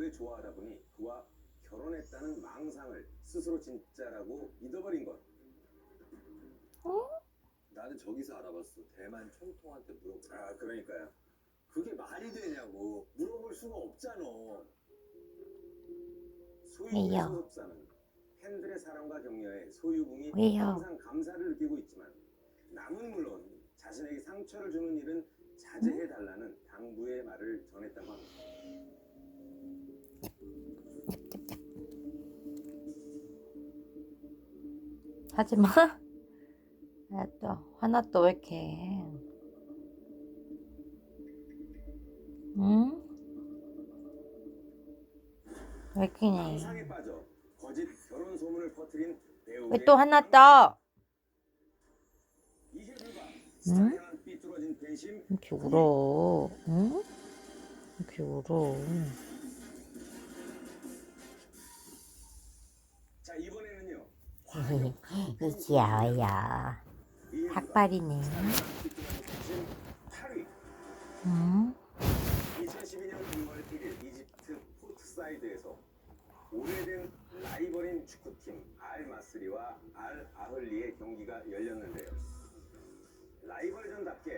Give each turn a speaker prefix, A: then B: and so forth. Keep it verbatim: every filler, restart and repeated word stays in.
A: 오래 좋아하다 보니 그와 결혼했다는 망상을 스스로 진짜라고 믿어버린 것.
B: 어?
C: 나는 저기서 알아봤어. 대만 총통한테 물어보라.
A: 아, 그러니까요.
C: 그게 말이 되냐고. 물어볼 수가 없잖아.
A: 소유궁의
B: 왜요?
A: 소속사는 팬들의 사랑과 격려에 소유궁이
B: 왜요?
A: 항상 감사를 느끼고 있지만 남은 물론 자신에게 상처를 주는 일은 자제해달라는 당부의 말을 전했다고 합니다.
B: 하지마. 야, 또 화나 또 왜 이렇게 해? 응? 왜 이렇게
A: 망상에
B: 해?
A: 빠져 거짓 결혼 소문을 퍼뜨린 배우의
B: 왜 또 화났다?
A: 이에 불과
B: 응?
A: 스타에 향한 삐뚤어진 배심.
B: 이렇게 울어? 응? 이렇게 울어?
A: 자, 이번에는요.
B: 이지야야
A: 이에 불과
B: 닭발이네.
A: 스타에 향한 삐뚤어진 배심 팔 위.
B: 응?
A: 이천십이 년 이월 일일 이집트 포트사이드에서 오래된 라이벌인 축구팀 알 마스리와 알 아흘리의 경기가 열렸는데요. 라이벌전답게